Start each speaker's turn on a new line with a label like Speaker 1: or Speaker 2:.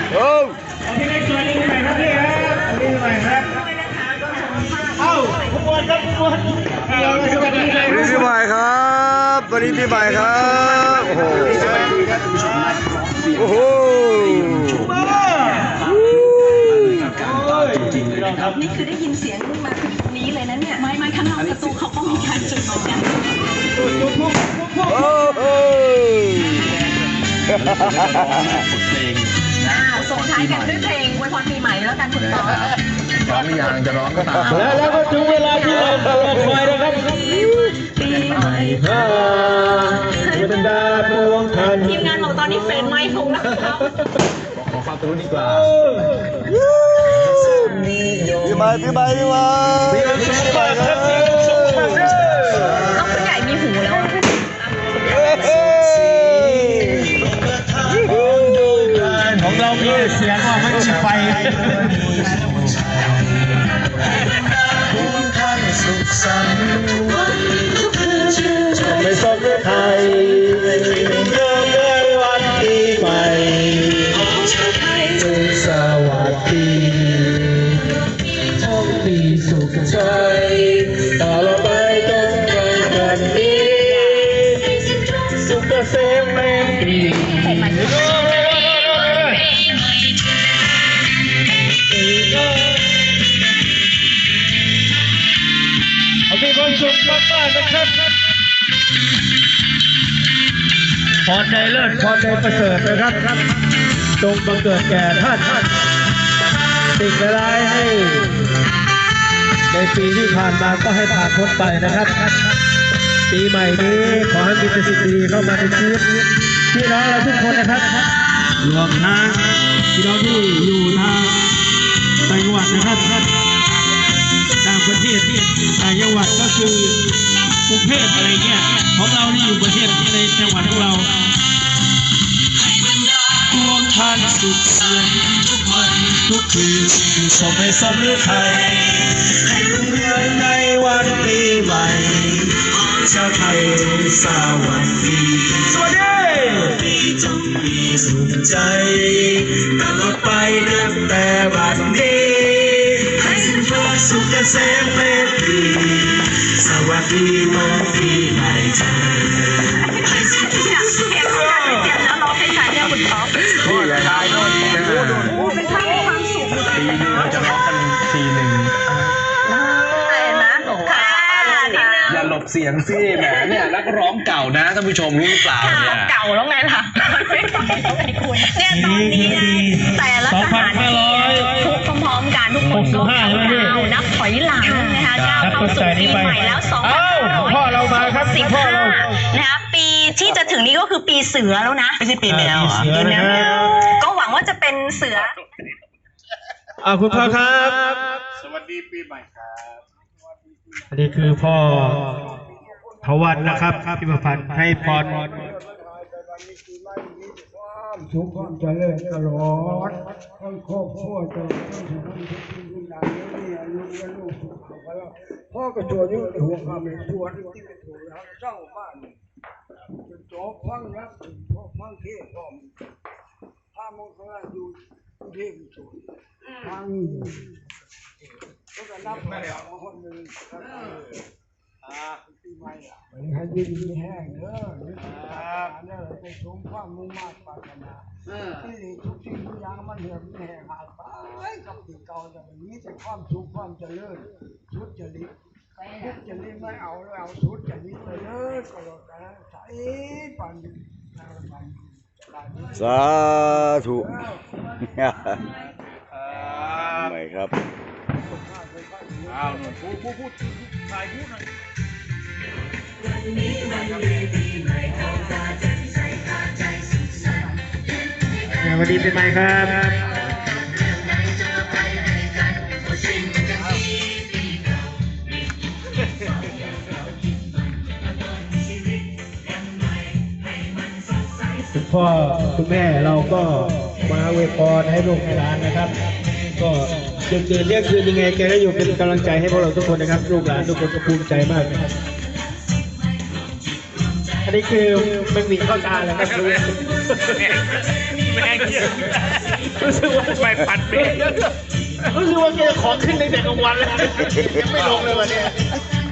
Speaker 1: โอ้
Speaker 2: พี่เล็กตัวนี้ใหม่ครับพี่ครับนี่ใหม่ครับเอ้าคุณบอลครับคุณบอลสวัสดีครับ
Speaker 1: พี่ใหม่ครับวันนี้พี่ใหม่ครับโอ้โหโอ้โห
Speaker 3: นี่คือได้ยินเสียงมาถึงนี้เลยนะเนี่ยไม่ข้างนอกประตูเขาก็มีการจุดเหมือนกัน
Speaker 1: โอ้โห
Speaker 3: ส่งท้ายกันด้วยเพลงอวยพรปีใหม่แล้วกันคุณต่อ
Speaker 1: ร้องอย่างจะร้องก็ตาม
Speaker 2: แล้วก็ถึงเวลาที่เราตลอดไปนะครับ
Speaker 3: ปีใหม่
Speaker 2: บรรดาพวงคัน
Speaker 3: ทีมงานบอกตอนนี้เฟรนไมค์คงนะครับ
Speaker 1: ขอฟังตัวดีกว่าพี่ใหม่พี่ใหม่พี่ใหม่ครับ
Speaker 3: น้องผู้ใหญ่มีหูแล้ว
Speaker 2: ของเรามีเสียงว่าไม่มีไฟไม่สนไทยเริ่มในวันปีใหม่สวัสดีโชคดีสุขใจต่อไปจนวันนี้สุขเกษมแรงดีมีความสุขมากๆนะครับพรในเลิศพรในประเสริฐนะครับจงบังเกิดแก่ท่านสิ่งร้ายให้ในปีที่ผ่านมาก็ให้ผ่านพ้นไปนะครับปีใหม่นี้ขอให้มีแต่สิ่งดีเข้ามาในชีวิตพี่น้องเราทุกคนนะครับรวมทั้งพี่น้องที่อยู่ทางต่างจังหวัดนะครับต่างประเทศต่างจังหวัดก็คือกรุงเทพอะไรเงี้ยของเราที่อยู่ประเทศในจังหวัดของเราดวงท่านสุขสันต์ทุกวันทุกคืนสมให้สำเร็จไทยให้รุ่งเรืองในวันปีใหม่ชาวไทยสวัสดีสวัสดีจงมีสุขใจตลอดไปนับแต่บัดนี้สุขเกษมเป็นปีสวัสดีน้องปีใหม่เธอให้สุขสุขเกษมแล้วร้องให้ฉันเนี่ยคุณท็อป
Speaker 1: นี่อย่าทายโน่น
Speaker 3: เป็นท่าความสุข
Speaker 1: ปีนึงเราจะร้องกันทีหนึ่งอย่าหลบเสียงสิแหมเนี่ยนักร้องเก่านะท่านผู้ชมรู้หรือเปล่าเนี่ย
Speaker 3: เก่าแล้วไงล่ะเนี่ยตอนนี้นะแต่ละสถานที่ทุกพร้อมๆกันทุกคนก็นับถอยหลังนะคะก้าวเข้าสู่ปีใหม่แล้ว2565นะคะปีที่จะถึงนี้ก็คือปีเสือแล้วนะ
Speaker 2: ไม่ใช่ปีแมว
Speaker 3: ก็หวังว่าจะเป็นเสือ
Speaker 2: คุณพ่อครับ
Speaker 4: สวัสดีปีใหม่ครับ
Speaker 2: อันนี้คือพ่อทวันนะครับพี่ประพันธ์ให้พร
Speaker 5: สุขความเจริญตลอดทั้งครอบครัวตลอดทั้งทุกคนทุกสิ่งทุกอย่างนี่ลูกและลูกพ่อก็ชวนอยู่ในหัวความเป็นชวนที่เป็นถูกแล้วเจ้าบ้านจนจบฟังนะพ่อฟังเทศพ่อถ้ามองข้างล่างอยู่เทศสวยฟังก็จะนับไปคนหนึ่งปีใหม่วันนี้ให้ยินดีแห้งเนอะเนี่ยไปชมความมุ่งมั่นปรารถนาที่ทุกสิ่งทุกอย่างมันเหื่อมแห้งหายไปกับปีเก่าอย่างนี้แต่ความสุขความเจริญสุดจริตสุดจริตไม่เอาแล้วเอาสุดจริตไปเลยก็แล้วกันใช้ปัน
Speaker 1: สาธุไม่ครับ
Speaker 4: หนูพูดถ่ายพูดหน่อย
Speaker 2: วันนี้เป็นไงครับคุณพ่อคุณแม่เราก็มาอวยพรให้ลูกให้หลานนะครับก็เดือนเรียกคืนยังไงแกก็อยู่เป็นกำลังใจให้พวกเราทุกคนนะครับลูกหลานทุกคนก็ภูมิใจมากนะครับอันนี้คือมันมีเข้าตาแล้วครับแม่เกี่ยว
Speaker 4: รู้สึกว่าไปผัดเบรรู้สึกว่าแกจะขอขึ้นในแต่กลางวันแล้วยังไม่ลงเลยวันนี้